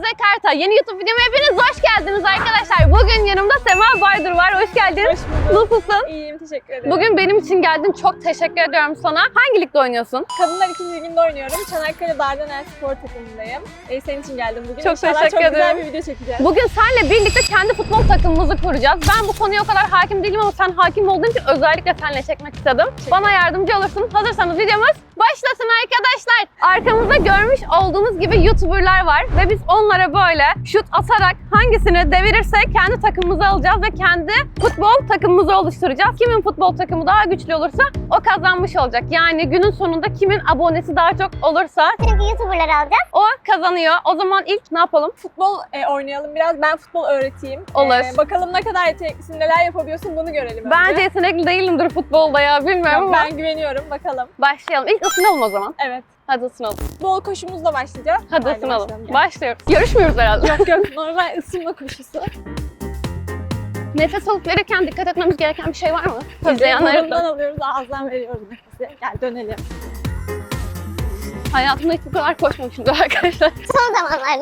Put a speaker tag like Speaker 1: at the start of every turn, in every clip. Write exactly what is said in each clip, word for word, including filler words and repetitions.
Speaker 1: Karta. Yeni YouTube videoma hepiniz hoş geldiniz arkadaşlar. Bugün yanımda Sema Baydur var. Hoş geldin.
Speaker 2: Hoş bulduk.
Speaker 1: Nasılsın?
Speaker 2: İyiyim, teşekkür ederim.
Speaker 1: Bugün benim için geldin. Çok teşekkür ediyorum sana. Hangi ligde oynuyorsun?
Speaker 2: Kadınlar ikinci liginde oynuyorum. Çanakkale Dardanel spor takımındayım. E, senin için geldim bugün.
Speaker 1: Çok
Speaker 2: İnşallah
Speaker 1: teşekkür
Speaker 2: çok
Speaker 1: ederim.
Speaker 2: güzel bir video çekeceğiz.
Speaker 1: Bugün seninle birlikte kendi futbol takımımızı kuracağız. Ben bu konuya o kadar hakim değilim ama sen hakim olduğun için özellikle seninle çekmek istedim. Bana yardımcı olursun. Hazırsanız videomuz başlasın arkadaşlar. Arkamızda görmüş olduğunuz gibi YouTuber'lar var ve biz onlara böyle şut atarak hangisini devirirsek kendi takımımızı alacağız ve kendi futbol takımımızı oluşturacağız. Kimin futbol takımı daha güçlü olursa o kazanmış olacak. Yani günün sonunda kimin abonesi daha çok olursa
Speaker 3: Çünkü YouTuber'ları alacağız.
Speaker 1: o kazanıyor. O zaman ilk ne yapalım?
Speaker 2: Futbol e, oynayalım biraz. Ben futbol öğreteyim.
Speaker 1: Olur.
Speaker 2: E, bakalım ne kadar yeteneklisin, neler yapabiliyorsun, bunu görelim önce.
Speaker 1: Bence yetenekli değilimdir futbolda ya, bilmiyorum
Speaker 2: Ya,
Speaker 1: ama.
Speaker 2: ben güveniyorum. Bakalım.
Speaker 1: Başlayalım. İlk ısınalım o zaman.
Speaker 2: Evet.
Speaker 1: Hadi ısınalım.
Speaker 2: Futbol koşumuzla başlayacağız.
Speaker 1: Hadi
Speaker 2: Haydi
Speaker 1: ısınalım.
Speaker 2: başlayalım, gel.
Speaker 1: Başlıyoruz. Yarışmıyoruz herhalde.
Speaker 2: Yok yok, normal ısınma koşusu.
Speaker 1: Nefes alıp verirken dikkat etmemiz gereken bir şey var mı?
Speaker 2: Tabii,
Speaker 1: İzleyenler
Speaker 2: burundan alıyoruz, ağızdan veriyoruz nefesi. Gel dönelim.
Speaker 1: Hayatımda hiç bu kadar koşmamışımdır arkadaşlar.
Speaker 3: Son zamanlarda.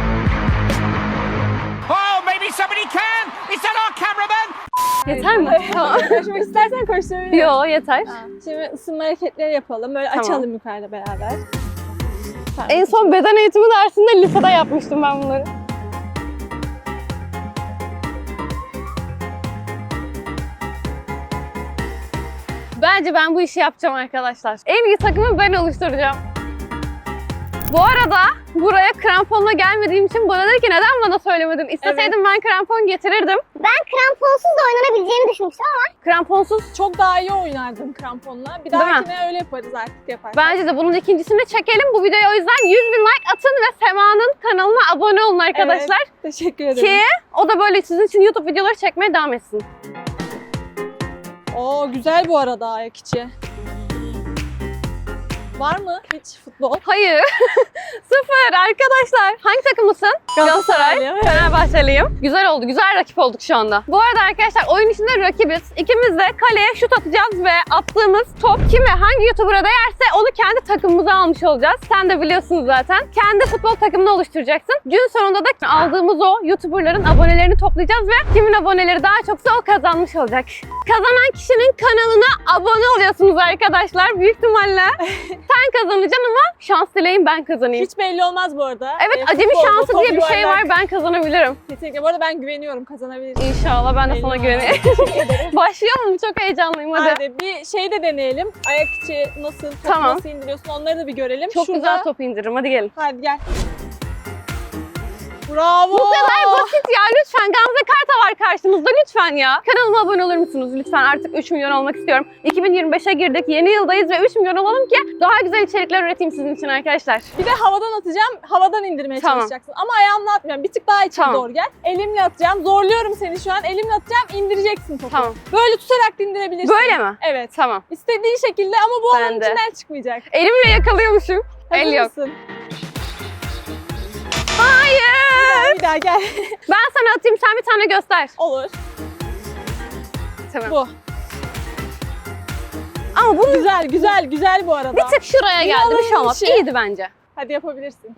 Speaker 4: Oh, maybe somebody can! Is that our cameraman?
Speaker 1: Yeter mi? Tamam.
Speaker 2: Koşmak istersen koşturabilirim.
Speaker 1: Yo, yeter.
Speaker 2: Ha, Şimdi ısınma hareketleri yapalım. Böyle
Speaker 1: Tamam.
Speaker 2: açalım yukarıda beraber. Tamam.
Speaker 1: En son beden eğitimi dersinde lisede yapmıştım ben bunları. Bence ben bu işi yapacağım arkadaşlar. En iyi takımı ben oluşturacağım. Bu arada buraya kramponla gelmediğim için bana dedi ki neden bana söylemedin? İsteseydim ben krampon getirirdim.
Speaker 3: Ben kramponsuz da oynanabileceğini düşünmüştüm ama
Speaker 1: Kramponsuz
Speaker 2: Çok daha iyi oynardım kramponla. Bir
Speaker 1: Değil mi?
Speaker 2: dahakine öyle yaparız artık yaparsak.
Speaker 1: bence de bunun ikincisini çekelim. Bu videoya o yüzden yüz bin like atın ve Sema'nın kanalına abone olun arkadaşlar.
Speaker 2: Evet, teşekkür ederim.
Speaker 1: Ki o da böyle sizin için YouTube videoları çekmeye devam etsin.
Speaker 2: Oo, güzel bu arada ayak içi. Var mı hiç futbol?
Speaker 1: Hayır. Sıfır arkadaşlar. Hangi takımlısın?
Speaker 2: Galatasaraylıyım, evet.
Speaker 1: Fenerbahçeliyim. Güzel oldu. Güzel rakip olduk şu anda. Bu arada arkadaşlar oyun içinde rakibiz. İkimiz de kaleye şut atacağız ve attığımız top kime hangi YouTuber'a değerse onu kendi takımımıza almış olacağız. Sen de biliyorsunuz zaten. Kendi futbol takımını oluşturacaksın. Gün sonunda da aldığımız o YouTuber'ların abonelerini toplayacağız ve kimin aboneleri daha çoksa o kazanmış olacak. Kazanan kişinin kanalına abone oluyorsunuz arkadaşlar. Büyük ihtimalle sen kazanacaksın ama şans dileyin ben kazanayım.
Speaker 2: Hiç belli olmaz bu arada.
Speaker 1: Evet,
Speaker 2: Ee,
Speaker 1: acemi
Speaker 2: futbolda
Speaker 1: şansı
Speaker 2: top
Speaker 1: diye bir şey var.
Speaker 2: yuvarlak.
Speaker 1: Ben kazanabilirim.
Speaker 2: Kesinlikle. Bu arada ben güveniyorum, kazanabilirim.
Speaker 1: İnşallah ben de sana
Speaker 2: Eyvallah.
Speaker 1: güveneyim.
Speaker 2: Teşekkür ederim.
Speaker 1: Başlayalım. Çok heyecanlıyım hadi.
Speaker 2: Hadi bir şey de deneyelim. Ayak içi nasıl, topu
Speaker 1: Tamam.
Speaker 2: nasıl indiriyorsun, onları da bir görelim.
Speaker 1: Çok
Speaker 2: Şurada...
Speaker 1: güzel top indiririm. Hadi gelin.
Speaker 2: Hadi gel. Bravo.
Speaker 1: Bu kadar basit ya. Lütfen Gamze Karta var karşınızda. Lütfen ya. Kanalıma abone olur musunuz? Lütfen artık üç milyon olmak istiyorum. iki bin yirmi beşe girdik. Yeni yıldayız ve üç milyon olalım ki daha güzel içerikler üreteyim sizin için arkadaşlar.
Speaker 2: Bir de havadan atacağım. Havadan indirmeye
Speaker 1: Tamam.
Speaker 2: çalışacaksın. Ama ayağımla atmıyorum. Bir tık daha içeri
Speaker 1: Tamam.
Speaker 2: doğru gel. Elimle atacağım. Zorluyorum seni şu an. Elimle atacağım. İndireceksin topu.
Speaker 1: Tamam.
Speaker 2: Böyle tutarak da indirebilirsin.
Speaker 1: Böyle mi?
Speaker 2: Evet.
Speaker 1: Tamam.
Speaker 2: İstediğin şekilde ama bu
Speaker 1: Ben
Speaker 2: alanın
Speaker 1: de.
Speaker 2: içinden çıkmayacak.
Speaker 1: Elimle yakalıyormuşum.
Speaker 2: Hazır
Speaker 1: El yok.
Speaker 2: mısın?
Speaker 1: Hayır.
Speaker 2: Bir daha gel.
Speaker 1: Ben sana atayım. Sen bir tane göster.
Speaker 2: Olur.
Speaker 1: Tamam.
Speaker 2: Bu.
Speaker 1: Ama bu
Speaker 2: Güzel, güzel, güzel bu arada.
Speaker 1: bir tık şuraya geldi. Bir şey olmaz.
Speaker 2: işi.
Speaker 1: İyiydi bence.
Speaker 2: Hadi yapabilirsin.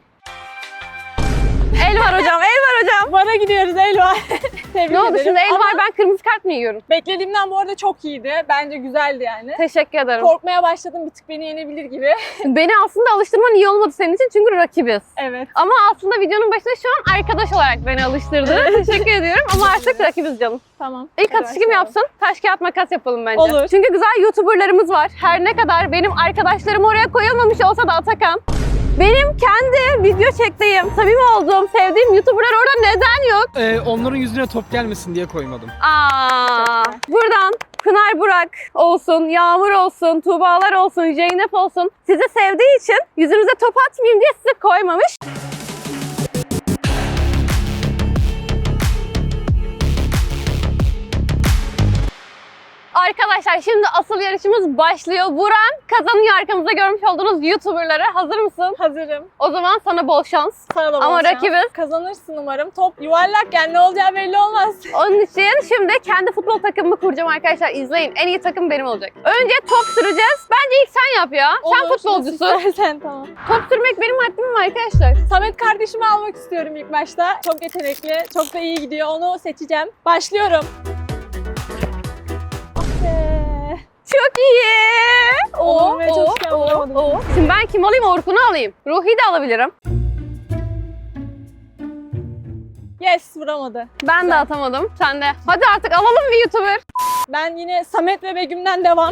Speaker 1: El var hocam. El var hocam.
Speaker 2: Vara gidiyoruz Elva. Tebrik
Speaker 1: Ne oldu
Speaker 2: ederim.
Speaker 1: şimdi? El
Speaker 2: Ama
Speaker 1: var. Ben kırmızı kart mı yiyorum?
Speaker 2: beklediğimden bu arada çok iyiydi. Bence güzeldi yani.
Speaker 1: Teşekkür ederim.
Speaker 2: Korkmaya başladım, bir tık beni yenebilir gibi.
Speaker 1: Beni aslında alıştırman iyi olmadı senin için çünkü rakibiz.
Speaker 2: Evet.
Speaker 1: Ama aslında videonun başında şu an arkadaş olarak beni alıştırdı. Teşekkür ediyorum ama artık rakibiz canım.
Speaker 2: Tamam.
Speaker 1: İlk
Speaker 2: Hadi
Speaker 1: atışı kim
Speaker 2: başlayalım.
Speaker 1: yapsın? Taş kağıt makas yapalım bence.
Speaker 2: Olur.
Speaker 1: Çünkü güzel YouTuber'larımız var. Her ne kadar benim arkadaşlarım oraya koyulmamış olsa da Atakan. Benim kendi video çektiğim, samimi olduğum, sevdiğim YouTuber'lar orada neden yok?
Speaker 5: Ee, onların yüzüne top gelmesin diye koymadım.
Speaker 1: Aa,
Speaker 2: Çok güzel.
Speaker 1: buradan Pınar Burak olsun, Yağmur olsun, Tuğbalar olsun, Zeynep olsun. Sizi sevdiği için yüzünüze top atmayayım diye sizi koymamış. Arkadaşlar şimdi asıl yarışımız başlıyor. Vuran kazanıyor, arkamızda görmüş olduğunuz YouTuber'ları. Hazır mısın?
Speaker 2: Hazırım.
Speaker 1: O zaman sana bol şans.
Speaker 2: Sana da bol
Speaker 1: Ama
Speaker 2: şans.
Speaker 1: rakibiz.
Speaker 2: Kazanırsın umarım. Top yuvarlak, yani ne olacağı belli olmaz.
Speaker 1: Onun için şimdi kendi futbol takımımı kuracağım arkadaşlar. İzleyin. En iyi takım benim olacak. Önce top süreceğiz. Bence ilk sen yap ya. Sen
Speaker 2: Olur,
Speaker 1: futbolcusun.
Speaker 2: nasıl istersen, tamam.
Speaker 1: Top sürmek benim haddim mi arkadaşlar?
Speaker 2: Samet kardeşimi almak istiyorum ilk başta. Çok yetenekli, çok da iyi gidiyor. Onu seçeceğim. Başlıyorum. Ah be.
Speaker 1: Çok iyi.
Speaker 2: Oğlum ve çok
Speaker 1: o,
Speaker 2: vuramadım.
Speaker 1: o. Şimdi ben kim alayım? Orkun'u alayım. Ruhi'yi de alabilirim.
Speaker 2: Yes, vuramadı.
Speaker 1: Ben
Speaker 2: Güzel.
Speaker 1: de atamadım. Sen de. Hadi artık alalım bir YouTuber.
Speaker 2: Ben yine Samet ve Begüm'den devam.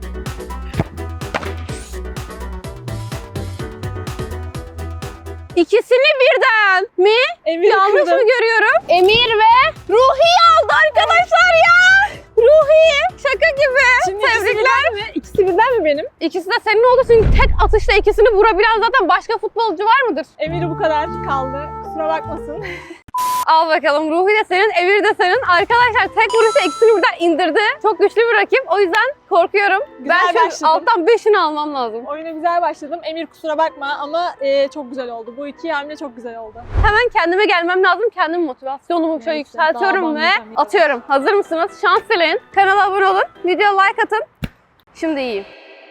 Speaker 1: İkisini birden mi?
Speaker 2: Emir
Speaker 1: Yanlış
Speaker 2: kırdım.
Speaker 1: mı görüyorum? Emir ve Ruhi aldı arkadaşlar ya. Ruhi. Şaka gibi.
Speaker 2: Şimdi ikisi
Speaker 1: Tebrikler.
Speaker 2: birden mi? İkisi birden mi benim?
Speaker 1: İkisi de senin oldu çünkü tek atışta ikisini vurabilen zaten başka futbolcu var mıdır?
Speaker 2: Emir bu kadar kaldı. Kusura bakmasın.
Speaker 1: Al bakalım, Ruhi de senin, Emir de senin. Arkadaşlar tek vuruşta ikisini birden indirdi. Çok güçlü bir rakip. O yüzden korkuyorum.
Speaker 2: Güzel
Speaker 1: ben şu
Speaker 2: başladın.
Speaker 1: alttan beşini almam lazım.
Speaker 2: Oyuna güzel başladım. Emir kusura bakma ama e, çok güzel oldu. Bu iki hamle çok güzel oldu.
Speaker 1: Hemen kendime gelmem lazım. Kendim motivasyonumu şöyle
Speaker 2: Neyse, daha
Speaker 1: yükseltiyorum ve
Speaker 2: banlayacağım.
Speaker 1: atıyorum. Hazır mısınız? Şans dileyin. Kanala abone olun. Video like atın. Şimdi iyiyim.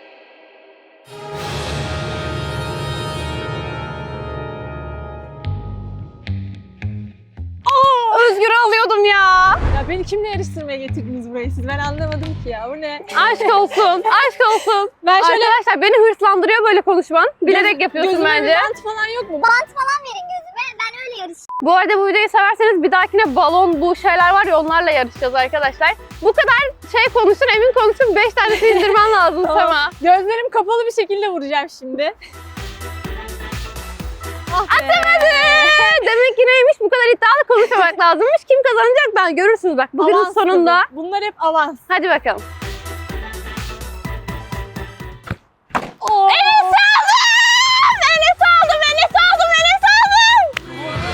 Speaker 1: Özgür'ü alıyordum ya.
Speaker 2: Ya beni kimle yarıştırmaya getirdiniz buraya siz? Ben anlamadım ki ya. Bu ne?
Speaker 1: Aşk olsun. Aşk olsun.
Speaker 2: Ben şöyle
Speaker 1: Arkadaşlar beni hırslandırıyor böyle konuşman. Bilerek
Speaker 2: Göz-
Speaker 1: yapıyorsun
Speaker 2: gözüme
Speaker 1: bence.
Speaker 2: bir bant falan yok mu?
Speaker 3: Bant falan verin gözüme. Ben öyle yarışacağım.
Speaker 1: Bu arada bu videoyu severseniz bir dahakine balon, bu şeyler var ya, onlarla yarışacağız arkadaşlar. Bu kadar şey konuşsun, emin konuşsun, beş tanesini indirmen lazım
Speaker 2: Tamam.
Speaker 1: sana.
Speaker 2: Gözlerim kapalı bir şekilde vuracağım şimdi. Ah be.
Speaker 1: Atamadı! Demek ki neymiş, bu kadar iddialı konuşmamak lazımmış. Kim kazanacak ben görürsünüz bak bugünün
Speaker 2: Avans
Speaker 1: sonunda.
Speaker 2: tabii. Bunlar hep avans.
Speaker 1: Hadi bakalım.
Speaker 2: Oo.
Speaker 1: Enes aldım! Enes aldım! Enes aldım! Enes aldım!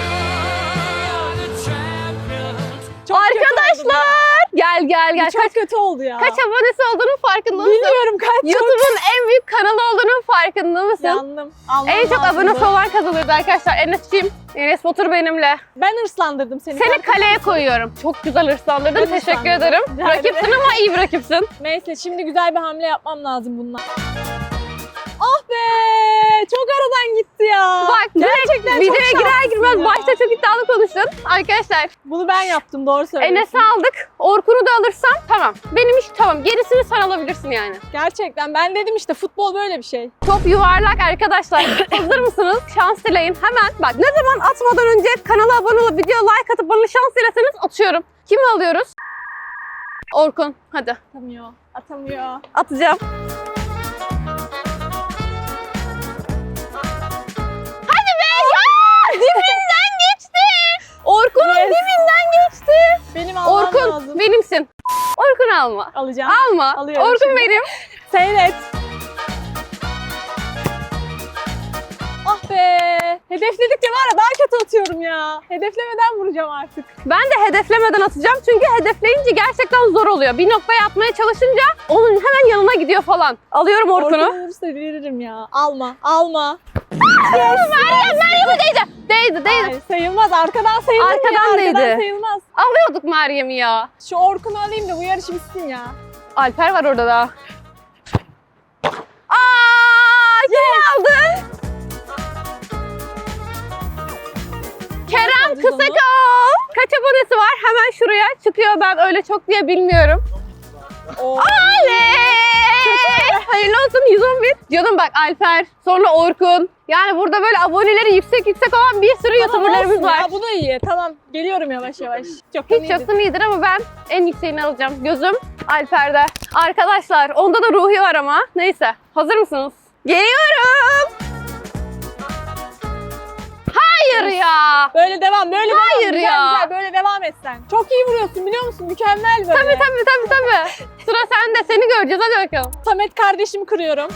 Speaker 2: Çok kötü oldu
Speaker 1: Arkadaşlar! Gel gel
Speaker 2: bu.
Speaker 1: gel.
Speaker 2: Bu çok
Speaker 1: Kaç,
Speaker 2: kötü oldu ya.
Speaker 1: kaç abonesi olduğunun farkında mısın?
Speaker 2: Bilmiyorum kaç.
Speaker 1: YouTube'un en büyük kanalı olduğunun farkında mısın?
Speaker 2: Yandım. Almam
Speaker 1: En çok
Speaker 2: lazımdı.
Speaker 1: abonesi olan kazanırdı arkadaşlar. Enes'ciğim, Enes Batur benimle.
Speaker 2: Ben hırslandırdım seni.
Speaker 1: Seni
Speaker 2: farkında
Speaker 1: kaleye
Speaker 2: mısın?
Speaker 1: koyuyorum. Çok güzel hırslandırdın.
Speaker 2: Ben
Speaker 1: Teşekkür
Speaker 2: hırslandım.
Speaker 1: ederim.
Speaker 2: Rica ederim.
Speaker 1: Rakipsin ama iyi bir rakipsin.
Speaker 2: Neyse şimdi güzel bir hamle yapmam lazım bununla. Ah be! Çok aradan gitti ya.
Speaker 1: Bak
Speaker 2: Gerçekten
Speaker 1: direkt
Speaker 2: çok
Speaker 1: videoya girer
Speaker 2: şanslısın
Speaker 1: girmez
Speaker 2: ya.
Speaker 1: başta çok iddialı konuştun. Arkadaşlar
Speaker 2: Bunu ben yaptım, doğru söylüyorsun.
Speaker 1: Enes'i aldık. Orkun'u da alırsam tamam. Benim iş tamam. Gerisini sen alabilirsin yani.
Speaker 2: Gerçekten ben dedim işte futbol böyle bir şey.
Speaker 1: Top yuvarlak arkadaşlar. Hazır mısınız? Şans dileyin. Hemen bak ne zaman atmadan önce kanala abone olup video like atıp bana şans dileseniz atıyorum. Kimi alıyoruz? Orkun. Hadi
Speaker 2: Atamıyor. Atamıyor.
Speaker 1: atacağım. Hadi be ya! Dibinden geçti. Orkun'un
Speaker 2: Yes.
Speaker 1: dibinden geçti.
Speaker 2: Benim almam
Speaker 1: Orkun
Speaker 2: lazım.
Speaker 1: benimsin. Orkun alma.
Speaker 2: Alacağım.
Speaker 1: Alma.
Speaker 2: Alıyorum
Speaker 1: Orkun
Speaker 2: şimdi.
Speaker 1: benim.
Speaker 2: Seyret. Ah be. Hedefledikçe var ya daha kötü atıyorum ya. Hedeflemeden vuracağım artık.
Speaker 1: Ben de hedeflemeden atacağım çünkü hedefleyince gerçekten zor oluyor. Bir noktaya atmaya çalışınca onun hemen yanına gidiyor falan. Alıyorum Orkun'u.
Speaker 2: Orkun vurursa deliririm ya. Alma. Alma.
Speaker 1: Meryem, Meryem'e değdi. Değdi, değdi.
Speaker 2: Ay, sayılmaz. Arkadan sayılır mı
Speaker 1: Arkadan
Speaker 2: ya? Arkadan
Speaker 1: değdi.
Speaker 2: sayılmaz.
Speaker 1: Alıyorduk Meryem'i ya.
Speaker 2: Şu Orkun'u alayım da bu yarış bitsin ya.
Speaker 1: Alper var orada da. Aa, kimi aldın? Kerem
Speaker 2: alacağız onu?
Speaker 1: Kısakol. Kaç abonesi var? Hemen şuraya çıkıyor. Ben öyle çok diye bilmiyorum.
Speaker 2: Oo.
Speaker 1: Oley! Hayırlı olsun yüz on bir. Canım bak Alper, sonra Orkun. Yani burada böyle aboneleri yüksek yüksek olan bir sürü
Speaker 2: Tamam,
Speaker 1: YouTuber'larımız
Speaker 2: olsun
Speaker 1: var.
Speaker 2: Ya, bu da iyi. Tamam. Geliyorum yavaş yavaş. Çok
Speaker 1: Hiç yoksun iyidir ama ben en yükseğini alacağım. Gözüm Alper'de. Arkadaşlar onda da Ruhi var ama. Neyse. Hazır mısınız? Geliyorum. Hayır ya.
Speaker 2: Böyle devam, böyle
Speaker 1: Hayır
Speaker 2: devam. Güzel,
Speaker 1: ya.
Speaker 2: güzel, böyle devam et sen. Çok iyi vuruyorsun biliyor musun? Mükemmel böyle.
Speaker 1: Tabii tabii tabii tabii. Sıra sende. Seni göreceğiz. Hadi bakalım.
Speaker 2: Samet kardeşimi kırıyorum.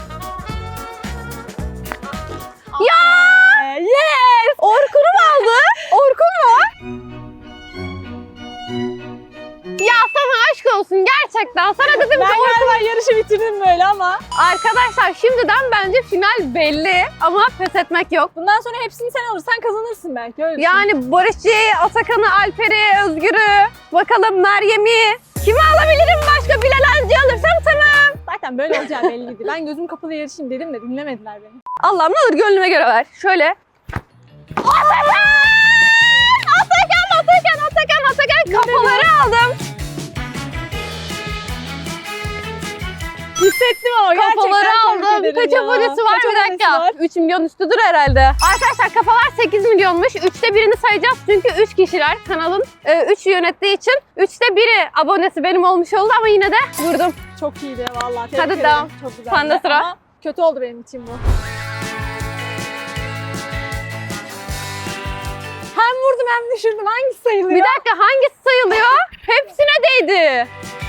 Speaker 1: Ya!
Speaker 2: Ee, yes!
Speaker 1: Orkun'u mu aldı? Orkun mu? Ya sana aşk olsun. Gerçekten gerçekten. Sana dedim
Speaker 2: Ben
Speaker 1: ki
Speaker 2: galiba yarışı bitirdim böyle ama.
Speaker 1: arkadaşlar şimdiden bence final belli ama pes etmek yok.
Speaker 2: Bundan sonra hepsini sen alırsan kazanırsın belki öyle düşün.
Speaker 1: Yani Barışçı'yı, Atakan'ı, Alper'i, Özgür'ü, bakalım Meryem'i. Kimi alabilirim başka? Bilal Hancı'yı alırsam tamam.
Speaker 2: Zaten böyle olacağı belliydi. Ben gözüm kapalı yarışayım dedim de dinlemediler beni.
Speaker 1: Allah'ım ne olur gönlüme göre ver. Şöyle. Atakan! Atakan, Atakan, Atakan, Atakan. Kafaları aldım.
Speaker 2: Hissettim ama gerçekten
Speaker 1: Kafaları
Speaker 2: tebrik
Speaker 1: aldım.
Speaker 2: ederim
Speaker 1: Kaç
Speaker 2: ya.
Speaker 1: abonesi var?
Speaker 2: Kaç
Speaker 1: Bir
Speaker 2: abonesi
Speaker 1: dakika.
Speaker 2: var?
Speaker 1: üç milyon üstüdür herhalde. Arkadaşlar kafalar sekiz milyonmuş. üçte birini sayacağız çünkü üç kişiler kanalın üçü yönettiği için üçte biri abonesi benim olmuş oldu ama yine de vurdum.
Speaker 2: Çok iyiydi vallahi. Tebrik
Speaker 1: Hadi
Speaker 2: ederim.
Speaker 1: devam.
Speaker 2: Çok güzeldi.
Speaker 1: Sende sıra.
Speaker 2: Ama kötü oldu benim için bu. Hem vurdum hem düşürdüm. Hangisi sayılıyor?
Speaker 1: Bir dakika hangisi sayılıyor? Hepsine değdi.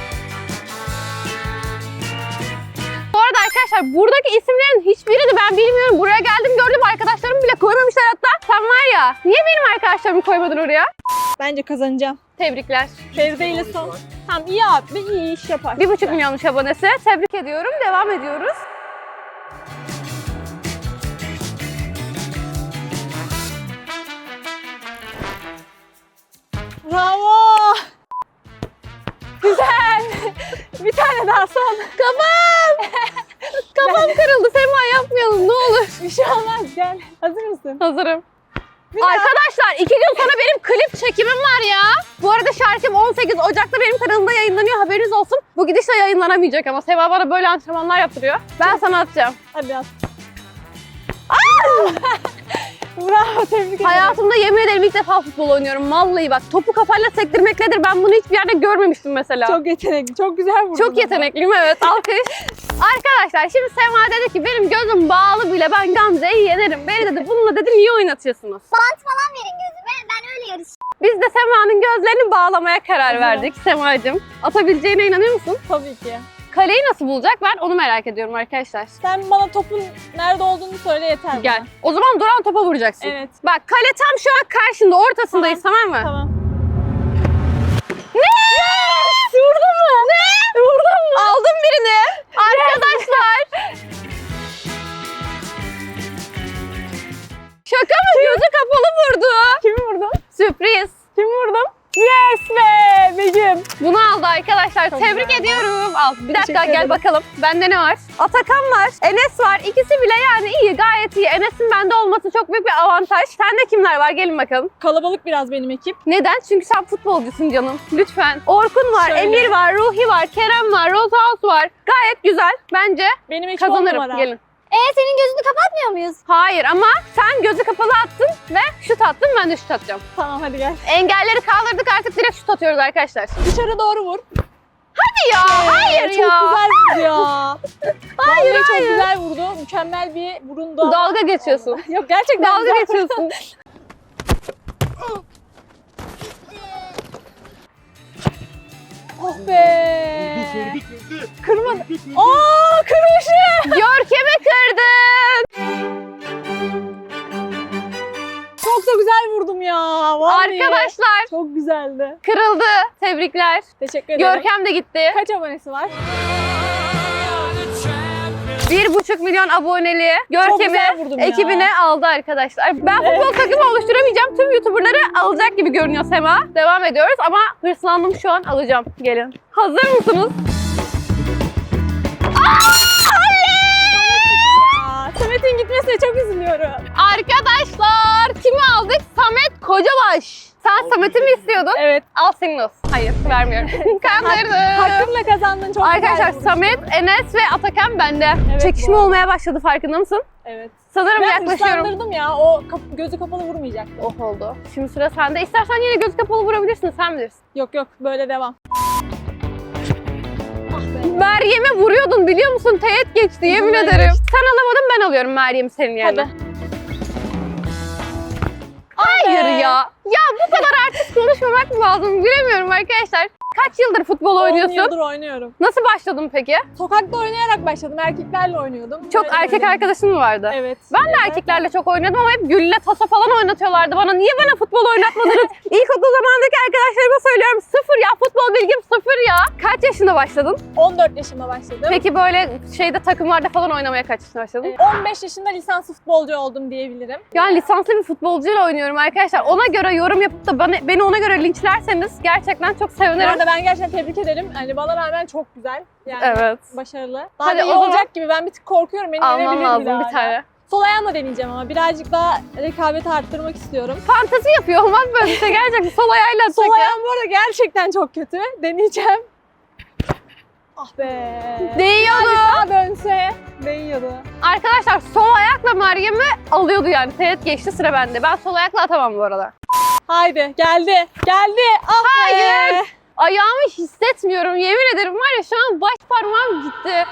Speaker 1: Bu arada arkadaşlar buradaki isimlerin hiçbirini ben bilmiyorum. Buraya geldim gördüm arkadaşlarım bile koymamışlar hatta. Sen var ya niye benim arkadaşlarımı koymadın oraya?
Speaker 2: Bence kazanacağım.
Speaker 1: Tebrikler.
Speaker 2: Feride ile son. Tamam iyi abi iyi iş yapar.
Speaker 1: Bir buçuk milyonmuş abonesi. Tebrik ediyorum. Devam ediyoruz.
Speaker 2: Bravo. Güzel. Bir tane daha son.
Speaker 1: Kafam! Kafam kırıldı. Sema yapmayalım ne olur.
Speaker 2: Bir şey olmaz gel. Hazır mısın?
Speaker 1: Hazırım.
Speaker 2: Bir daha.
Speaker 1: Arkadaşlar iki gün sonra benim klip çekimim var ya. Bu arada şarkım on sekiz Ocak'ta benim kanalımda yayınlanıyor. Haberiniz olsun. Bu gidişle yayınlanamayacak ama Sema bana böyle antrenmanlar yaptırıyor. Ben sana atacağım.
Speaker 2: Hadi at. Bravo tebrik ederim.
Speaker 1: Hayatımda yemin ederim ilk defa futbol oynuyorum. Vallahi bak topu kafayla sektirmek nedir ben bunu hiçbir yerde görmemiştim mesela.
Speaker 2: Çok yetenekli. Çok güzel vurdun.
Speaker 1: Çok
Speaker 2: ama.
Speaker 1: yetenekliyim evet alkış. Arkadaşlar şimdi Sema dedi ki benim gözüm bağlı bile ben Gamze'yi yenerim. Beni dedi bununla dedi niye oynatıyorsunuz?
Speaker 3: Bant falan verin gözüme. Ben öyle yarışacağım.
Speaker 1: Biz de Sema'nın gözlerini bağlamaya karar
Speaker 2: Evet.
Speaker 1: verdik Sema'cığım. Atabileceğine inanıyor musun?
Speaker 2: Tabii ki.
Speaker 1: Kaleyi nasıl bulacak ben onu merak ediyorum arkadaşlar.
Speaker 2: Sen bana topun nerede olduğunu söyle yeter
Speaker 1: Gel.
Speaker 2: bana.
Speaker 1: O zaman duran topa vuracaksın.
Speaker 2: Evet.
Speaker 1: Bak kale tam şu an karşında ortasındayız tamam, mı?
Speaker 2: Tamam.
Speaker 1: Ne? Yes! Vurdun mu? Ne? Vurdun mu? Aldım birini. Arkadaşlar. Şaka mı? Gözü kapalı vurdu.
Speaker 2: Kimi vurdun?
Speaker 1: Sürpriz.
Speaker 2: Kimi vurdum? Yes be Begüm.
Speaker 1: Bunu aldı arkadaşlar.
Speaker 2: Çok
Speaker 1: Tebrik
Speaker 2: güzel.
Speaker 1: ediyorum. Al bir dakika
Speaker 2: Teşekkür
Speaker 1: gel
Speaker 2: ederim.
Speaker 1: bakalım. Bende ne var? Atakan var. Enes var. İkisi bile yani iyi gayet iyi. Enes'in bende olması çok büyük bir avantaj. Sende kimler var? Gelin bakalım.
Speaker 2: Kalabalık biraz benim ekip.
Speaker 1: Neden? Çünkü sen futbolcusun canım. Lütfen. Orkun var,
Speaker 2: Şöyle.
Speaker 1: Emir var, Ruhi var, Kerem var, Rosehouse var. Gayet güzel. Bence
Speaker 2: Benim ekip on
Speaker 1: kazanırım.
Speaker 2: numara.
Speaker 1: Gelin.
Speaker 3: Ee senin gözünü kapatmıyor muyuz?
Speaker 1: Hayır ama sen gözü kapalı attın ve şut attın. Ben de şut atacağım.
Speaker 2: Tamam hadi gel.
Speaker 1: Engelleri kaldırdık artık direkt şut atıyoruz arkadaşlar.
Speaker 2: Dışarı doğru vur.
Speaker 1: Hadi ya. Hayır
Speaker 2: Çok
Speaker 1: ya.
Speaker 2: güzel vurdu ya.
Speaker 1: Hayır,
Speaker 2: Vallahi çok
Speaker 1: hayır.
Speaker 2: güzel vurdu. Mükemmel bir vurundu. ama-
Speaker 1: Dalga geçiyorsun.
Speaker 2: Yok gerçekten
Speaker 1: Dalga
Speaker 2: güzel.
Speaker 1: geçiyorsun.
Speaker 2: Oh be. Kırmadı. Aa kırmışım.
Speaker 1: Görkem'i kırdın.
Speaker 2: Çok da güzel vurdum ya. Vallahi.
Speaker 1: Arkadaşlar
Speaker 2: Çok güzeldi.
Speaker 1: kırıldı. Tebrikler.
Speaker 2: Teşekkür ederim.
Speaker 1: Görkem de gitti.
Speaker 2: Kaç abonesi var?
Speaker 1: Bir buçuk milyon aboneli
Speaker 2: güzel
Speaker 1: Görkem'i
Speaker 2: vurdum ya.
Speaker 1: ekibine aldı arkadaşlar. Ben futbol takımı oluşturamayacağım. Tüm YouTuber'ları alacak gibi görünüyor Sema. Devam ediyoruz ama hırslandım şu an alacağım. Gelin. Hazır mısınız?
Speaker 2: Aa, Samet'in gitmesine çok üzülüyorum.
Speaker 1: Arkadaşlar kimi aldık? Samet Kocabaş. Sen Samet'i mi istiyordun?
Speaker 2: Evet.
Speaker 1: Al senin olsun. Hayır vermiyorum. Kandırdım.
Speaker 2: Hakkımla kazandın. Çok
Speaker 1: Arkadaşlar
Speaker 2: güzel vuruştu.
Speaker 1: Samet, Enes ve Atakan bende.
Speaker 2: Evet,
Speaker 1: Çekişme
Speaker 2: bu arada.
Speaker 1: olmaya başladı farkında mısın?
Speaker 2: Evet.
Speaker 1: Sanırım
Speaker 2: Ben
Speaker 1: yaklaşıyorum.
Speaker 2: hırslandırdım ya. O kap- gözü kapalı vurmayacak.
Speaker 1: Oh oldu. Şimdi sıra sende. İstersen yine göz kapalı vurabilirsin. Sen bilirsin.
Speaker 2: Yok yok böyle devam. Ah be.
Speaker 1: Meryem'e vuruyordun biliyor musun? Teğet geçti yemin
Speaker 2: Yüzümden
Speaker 1: ederim.
Speaker 2: geçti.
Speaker 1: Sen alamadın ben alıyorum Meryem'i senin yerine.
Speaker 2: Hadi.
Speaker 1: Hayır
Speaker 2: Be.
Speaker 1: ya. Ya bu kadar artist konuşmamak mı lazım bilemiyorum arkadaşlar. Kaç yıldır futbol
Speaker 2: on
Speaker 1: oynuyorsun?
Speaker 2: yıldır oynuyorum.
Speaker 1: Nasıl başladın peki?
Speaker 2: Sokakta oynayarak başladım. Erkeklerle oynuyordum.
Speaker 1: Çok
Speaker 2: Böyle
Speaker 1: erkek
Speaker 2: böyle.
Speaker 1: arkadaşın mı vardı?
Speaker 2: Evet.
Speaker 1: Ben de
Speaker 2: Evet.
Speaker 1: erkeklerle çok oynuyordum ama hep gülle, taso falan oynatıyorlardı bana. Niye bana futbol oynatmadınız? İlkokul zamanındaki arkadaşlarıma söylüyorum. Sıfır ya, futbol bilgim sıfır ya. Kaç yaşında başladın?
Speaker 2: on dört yaşında başladım.
Speaker 1: Peki böyle şeyde takımlarda falan oynamaya kaç yaşında başladın?
Speaker 2: Ee, on beş yaşında lisanslı futbolcu oldum diyebilirim.
Speaker 1: Yani lisanslı bir futbolcuyla oynuyorum arkadaşlar. Ona göre yorum yapıp da beni, beni ona göre linçlerseniz gerçekten çok
Speaker 2: Bu
Speaker 1: sevinirim.
Speaker 2: arada ben gerçekten tebrik ederim. Hani bana rağmen çok güzel. Yani
Speaker 1: Evet.
Speaker 2: başarılı. Daha
Speaker 1: Hadi
Speaker 2: da iyi
Speaker 1: o zaman-
Speaker 2: olacak gibi. Ben bir tık korkuyorum. Beni
Speaker 1: Alman
Speaker 2: yenebilir
Speaker 1: lazım
Speaker 2: daha
Speaker 1: bir
Speaker 2: ya.
Speaker 1: tane.
Speaker 2: Sol ayağımla deneyeceğim ama birazcık daha rekabeti arttırmak istiyorum.
Speaker 1: Fantezi yapıyor olmaz böyle bir şey gerçekten. Sol ayağıyla atacak
Speaker 2: Sol
Speaker 1: ya.
Speaker 2: ayağım bu arada gerçekten çok kötü. Deneyeceğim. Ah be.
Speaker 1: Değiyordu.
Speaker 2: Daha dönse değiyordu.
Speaker 1: Arkadaşlar sol ayakla Meryem'i alıyordu yani. Teğet geçti, sıra bende. Ben sol ayakla atamam bu arada.
Speaker 2: Haydi geldi. Geldi. Ah be.
Speaker 1: Hayır. Ayağımı hissetmiyorum. Yemin ederim var ya, şu an baş parmağım gitti.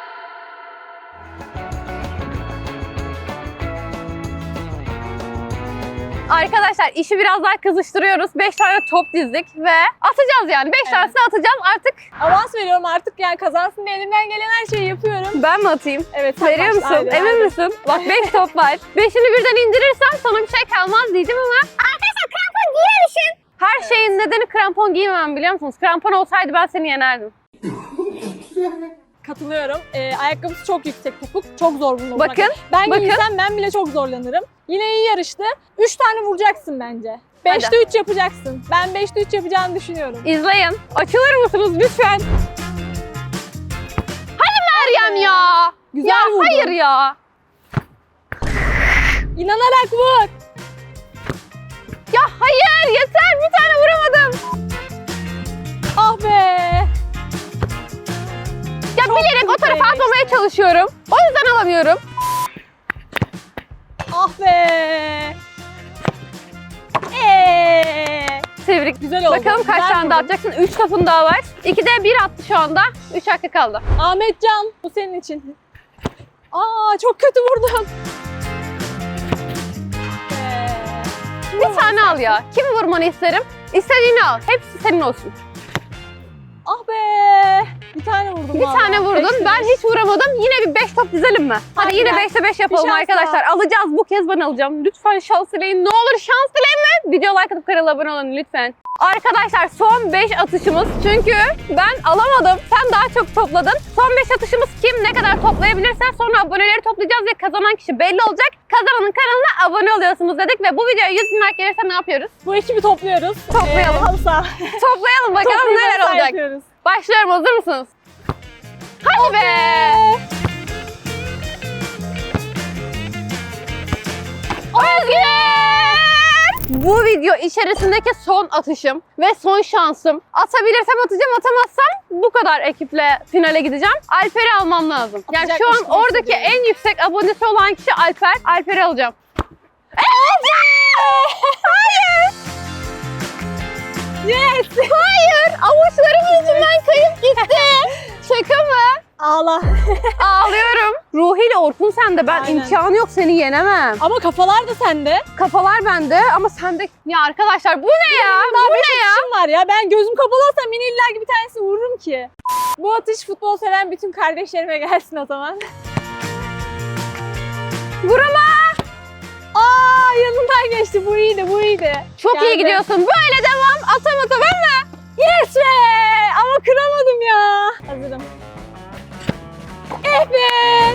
Speaker 1: Arkadaşlar işi biraz daha kızıştırıyoruz. beş tane top dizdik ve atacağız yani. beş
Speaker 2: Evet.
Speaker 1: tanesini atacağız artık.
Speaker 2: Avans veriyorum artık, yani kazansın diye elimden gelen her şeyi yapıyorum.
Speaker 1: Ben mi atayım?
Speaker 2: Evet. sen
Speaker 1: Veriyor
Speaker 2: başla.
Speaker 1: musun?
Speaker 2: Haydi,
Speaker 1: Emin
Speaker 2: haydi.
Speaker 1: misin? Bak beş top var. Beşini birden indirirsem sana bir şey kalmaz diyeceğim ama
Speaker 3: Arkadaşlar krampon giyememişim.
Speaker 1: her şeyin nedeni krampon giymemem, biliyor musunuz? Krampon olsaydı ben seni yenerdim.
Speaker 2: Katılıyorum. Ee, ayakkabısı çok yüksek topuk. Çok zor bunu bulmak.
Speaker 1: Bakın,
Speaker 2: Ben
Speaker 1: bakın.
Speaker 2: giysem ben bile çok zorlanırım. Yine iyi yarıştı. üç tane vuracaksın bence. beşte üç yapacaksın. Ben beşte üç yapacağını düşünüyorum.
Speaker 1: İzleyin. Açılır mısınız lütfen? Hadi Meryem ya.
Speaker 2: Güzel
Speaker 1: ya
Speaker 2: vurdun.
Speaker 1: hayır ya.
Speaker 2: İnanarak vur.
Speaker 1: Ya hayır, yeter, bir tane vuramadım.
Speaker 2: Ah be.
Speaker 1: Ya
Speaker 2: Çok
Speaker 1: bilerek o tarafa
Speaker 2: güzelmiş.
Speaker 1: atmamaya çalışıyorum. O yüzden alamıyorum.
Speaker 2: Ah be. Eee.
Speaker 1: Tebrik.
Speaker 2: Güzel oldu.
Speaker 1: Bakalım kaç
Speaker 2: Güzel
Speaker 1: tane daha
Speaker 2: vurdun.
Speaker 1: atacaksın? üç topun daha var. ikide bir attı şu anda. üç hakkı kaldı.
Speaker 2: Ahmetcan, bu senin için. Aa, çok kötü vurdun. Ee,
Speaker 1: Bir tane al ya. Kimi vurmanı isterim? İstediğini al. Hepsi senin olsun.
Speaker 2: Ah be. Bir tane vurdum.
Speaker 1: Bir
Speaker 2: vallahi.
Speaker 1: tane vurdun.
Speaker 2: Beşte
Speaker 1: Ben
Speaker 2: beş.
Speaker 1: hiç vuramadım. Yine bir beş top dizelim mi? Hadi
Speaker 2: Hadi
Speaker 1: yine
Speaker 2: ya.
Speaker 1: beşte beş yapalım
Speaker 2: Bir şans
Speaker 1: arkadaşlar. Alacağız. Bu kez ben alacağım. Lütfen şans dileyin. Ne olur şans dileyin mi? Video like atıp kanala abone olun lütfen. Arkadaşlar son beş atışımız. Çünkü ben alamadım. Sen daha çok topladın. Son beş atışımız kim ne kadar toplayabilirse sonra aboneleri toplayacağız ve kazanan kişi belli olacak. Kazananın kanalına abone oluyorsunuz dedik ve bu videoya yüz bin like gelirse ne yapıyoruz?
Speaker 2: Bu ekibi topluyoruz.
Speaker 1: Toplayalım.
Speaker 2: Ee, halı saha.
Speaker 1: Toplayalım bakalım
Speaker 2: Toplayıp
Speaker 1: neler
Speaker 2: halı saha
Speaker 1: olacak.
Speaker 2: yapıyoruz.
Speaker 1: Başlıyorum, hazır mısınız? Hadi be! Özgür! Bu video içerisindeki son atışım ve son şansım. Atabilirsem atacağım, atamazsam bu kadar ekiple finale gideceğim. Alper'i almam lazım. Yani şu an
Speaker 2: Atacakmış gibi
Speaker 1: oradaki
Speaker 2: hissediyorum.
Speaker 1: en yüksek abonesi olan kişi Alper. Alper'i alacağım. Evet! Hayır!
Speaker 2: Yes!
Speaker 1: Hayır! Avuçlarım yüzünden kayıp gitti. Şaka mı?
Speaker 2: Ağla.
Speaker 1: Ağlıyorum. Ruhi ile Orkun sende. Ben
Speaker 2: Aynen.
Speaker 1: imkanı yok, seni yenemem.
Speaker 2: Ama kafalar da sende.
Speaker 1: Kafalar bende ama sende... Ya arkadaşlar bu ne ya?
Speaker 2: Daha
Speaker 1: Bu
Speaker 2: beş
Speaker 1: ne ya?
Speaker 2: atışım var ya. Ben gözüm kapalı olsam yine illa ki bir tanesini vururum ki. Bu atış futbol seven bütün kardeşlerime gelsin o zaman.
Speaker 1: Vurama!
Speaker 2: Aa, yanından geçti. Bu iyiydi, bu iyiydi.
Speaker 1: Çok iyi
Speaker 2: Geldi.
Speaker 1: gidiyorsun. Böyle devam. Atama, tamam mı?
Speaker 2: Yes be! Ama kıramadım ya. Hazırım. Eh be!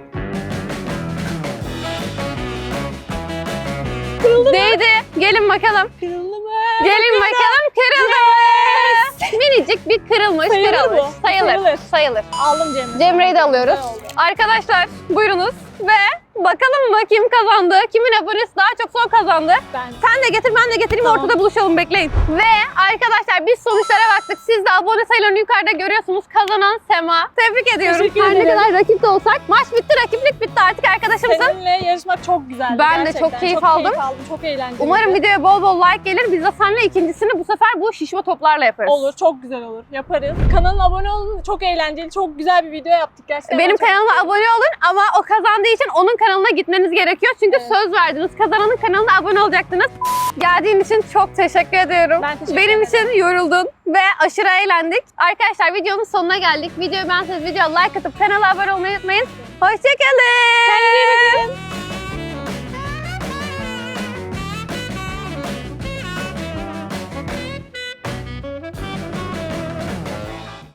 Speaker 2: Kırıldı mı?
Speaker 1: Değdi. Gelin bakalım.
Speaker 2: Kırıldı mı?
Speaker 1: Gelin
Speaker 2: Bakıyorum.
Speaker 1: bakalım. Kırıldı. Minicik bir kırılmış.
Speaker 2: Sayılır
Speaker 1: kırılmış.
Speaker 2: bu.
Speaker 1: Sayılır.
Speaker 2: Sayılır.
Speaker 1: Sayılır.
Speaker 2: Aldım Cemre.
Speaker 1: Cemre'yi de alıyoruz.
Speaker 2: Güzel oldu.
Speaker 1: Arkadaşlar buyurunuz ve bakalım mı kim kazandı? Kimin abonesi daha çok son kazandı?
Speaker 2: Ben.
Speaker 1: Sen de getir, ben de getireyim,
Speaker 2: Tamam.
Speaker 1: ortada buluşalım, bekleyin. Ve arkadaşlar biz sonuçlara baktık. Siz de abone sayılarını yukarıda görüyorsunuz. Kazanan Sema. Tebrik ediyorum.
Speaker 2: Teşekkür
Speaker 1: Her ne
Speaker 2: ederim.
Speaker 1: kadar rakip de olsak maç bitti, rakiplik bitti, artık arkadaşımsın.
Speaker 2: Seninle yarışmak çok güzeldi.
Speaker 1: Ben de
Speaker 2: gerçekten.
Speaker 1: çok keyif
Speaker 2: çok
Speaker 1: aldım.
Speaker 2: Keyif aldım. Çok eğlenceli.
Speaker 1: Umarım videoya bol bol like gelir. Biz de seninle ikincisini bu sefer bu şişme toplarla yaparız.
Speaker 2: Olur, çok güzel olur. Yaparız. Kanalına abone olun. Çok eğlenceli, çok güzel bir video yaptık gerçekten.
Speaker 1: Benim
Speaker 2: Ben çok
Speaker 1: kanalıma
Speaker 2: mutluyum.
Speaker 1: abone olun ama o kazandığı için onun kanalına gitmeniz gerekiyor. Çünkü
Speaker 2: Evet.
Speaker 1: söz verdiniz. Kazananın kanalına abone olacaktınız. Geldiğin için çok teşekkür ediyorum.
Speaker 2: Ben teşekkür
Speaker 1: Benim
Speaker 2: ederim.
Speaker 1: için yoruldun ve aşırı eğlendik. Arkadaşlar videonun sonuna geldik. Videoyu beğenseniz videoya like atıp kanala abone olmayı unutmayın. Hoşçakalın.
Speaker 2: Kendinize iyi bakın.